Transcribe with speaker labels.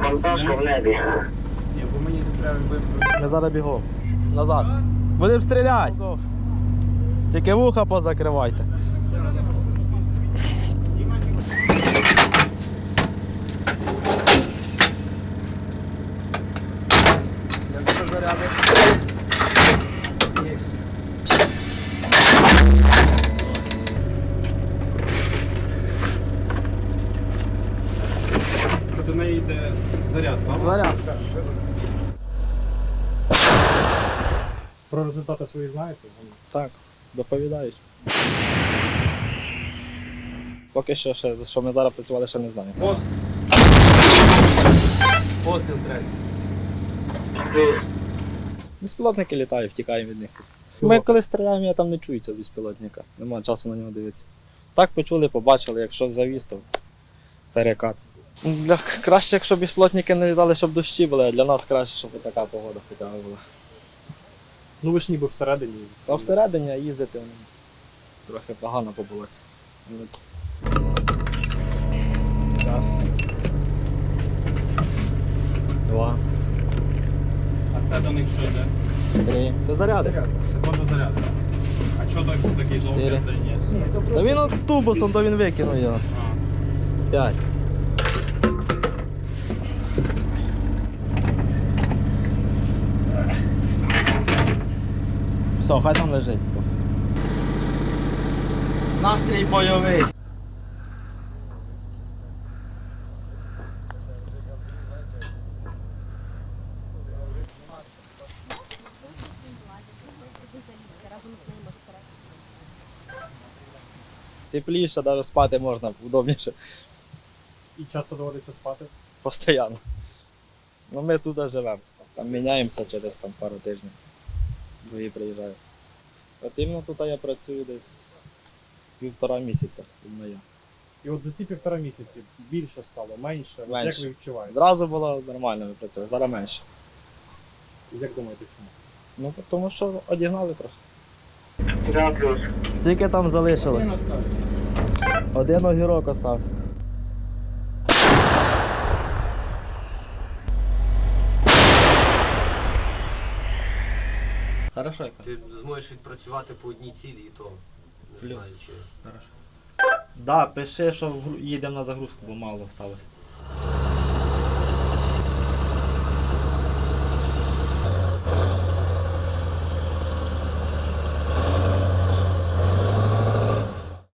Speaker 1: контакту в небі.
Speaker 2: Ні, бо мені треба
Speaker 3: Ми зараз бігом. Назад. Будемо стріляти. Тільки вуха позакривайте. Як це заряди? Є.
Speaker 2: до неї йде заряд, так?
Speaker 3: Заряд.
Speaker 2: Про результати свої знаєте?
Speaker 3: Так, доповідають. Поки що, ще, за що ми зараз працювали, ще не знаю.
Speaker 2: Пост. Постріл третій.
Speaker 3: Безпілотники літають, втікаємо від них. Ми коли стріляємо, я там не чую цього безпілотника. Нема часу на нього дивитися. Так почули, побачили, якщо завіз, то перекат. Краще, якщо безпілотники не літали, щоб дощі були, а для нас краще, щоб така погода хоча б була.
Speaker 2: Ну ви ж ніби всередині.
Speaker 3: А всередині їздити трохи погано по болоті. Раз. Два.
Speaker 2: А це до них що йде?
Speaker 3: Три. Це заряди.
Speaker 2: Це теж заряд, так? А чого такий довгий
Speaker 3: Чотири.
Speaker 2: ні?
Speaker 3: Та він от тубусом, то він викинув його.
Speaker 2: А.
Speaker 3: П'ять. Все, хай там лежить. Настрій бойовий. Тепліше, навіть спати можна, удобніше.
Speaker 2: І часто доводиться спати?
Speaker 3: Постоянно. Ну ми тут живемо. Там міняємося через пару тижнів. Другі приїжджають. От іменно тут я працюю десь 1,5 місяця. Іменно я.
Speaker 2: І от за ці 1,5 місяці більше стало, менше? От
Speaker 3: Менше.
Speaker 2: Як ви відчуваєте?
Speaker 3: Зразу було нормально, ми працювали, зараз менше.
Speaker 2: І як думаєте, чому?
Speaker 3: Ну тому що одігнали трохи.
Speaker 1: Да, плюс.
Speaker 3: Скільки там залишилось? Один огірок остався. Хорошо.
Speaker 4: Ти зможеш відпрацювати по одній цілі і то не
Speaker 3: Плюс.
Speaker 4: знаю чи.
Speaker 3: Да, пиши, що їдемо на загрузку, бо мало сталося.